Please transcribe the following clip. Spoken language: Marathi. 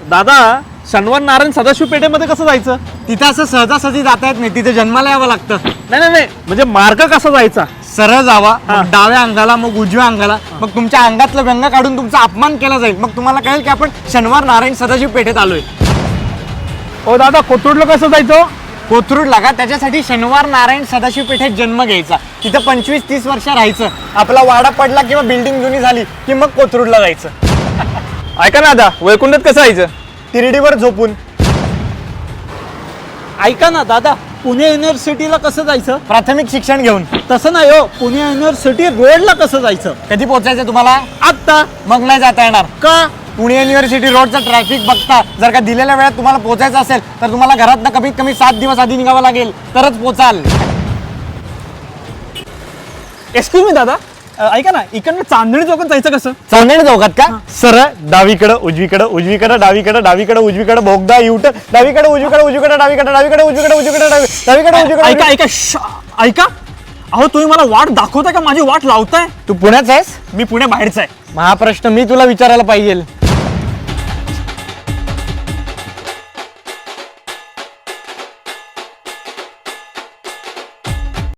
दादा शनिवार नारायण सदाशिव पेठेमध्ये कसं जायचं? तिथं असं सहजासहजी जाता येत नाही, तिथे जन्माला यावं लागतं. नाही म्हणजे मार्ग कसा जायचा? सरळ जावा, हा. मग डाव्या अंगाला, मग उजव्या अंगाला, मग तुमच्या अंगातलं व्यंग काढून तुमचा अपमान केला जाईल. मग तुम्हाला कळेल की आपण शनिवार नारायण सदाशिव पेठेत आलोय. ओ दादा कोथरूडला कसं जायचं? कोथरूड लागा, त्याच्यासाठी शनिवार नारायण सदाशिव पेठेत जन्म घ्यायचा. तिथं 25-30 वर्ष राहायचं. आपला वाडा पडला किंवा बिल्डिंग जुनी झाली की मग कोथरूडला जायचं. ऐका ना दादा, वैकुंठात कसं जायचं? तिरडीवर झोपून. ऐका ना दादा, पुणे युनिव्हर्सिटीला कसं जायचं? प्राथमिक शिक्षण घेऊन. तसं नाही हो, पुणे युनिव्हर्सिटी रोडला कसं जायचं? कधी पोहोचायचं तुम्हाला? आत्ता. मग नाही जाता येणार. का? पुणे युनिव्हर्सिटी रोडचा ट्रॅफिक बघता जर का दिलेल्या वेळात तुम्हाला पोहोचायचं असेल तर तुम्हाला घरातनं कमीत कमी 7 दिवस आधी निघावं लागेल, तरच पोचाल. एक्सक्यूज मी दादा, ऐका ना, इकडनं चांदणी चौकात जायचं कसं? चांदणी चौकात का? सरळ डावीकडं उजवीकडं, उजवीकडं डावीकडं, डावीकडं उजवीकडं, भोगदा युट, डावीकडे उजवीकडे, उजवीकडे डावीकडे, डावीकडे उजवीकडे, उजवीकडे डावीकडे उजवीकडे. ऐका ऐका ऐका, अहो तुम्ही मला वाट दाखवताय का माझी वाट लावताय? तू पुण्याचा आहेस? मी पुण्या बाहेरचा आहे. हा प्रश्न मी तुला विचारायला पाहिजे.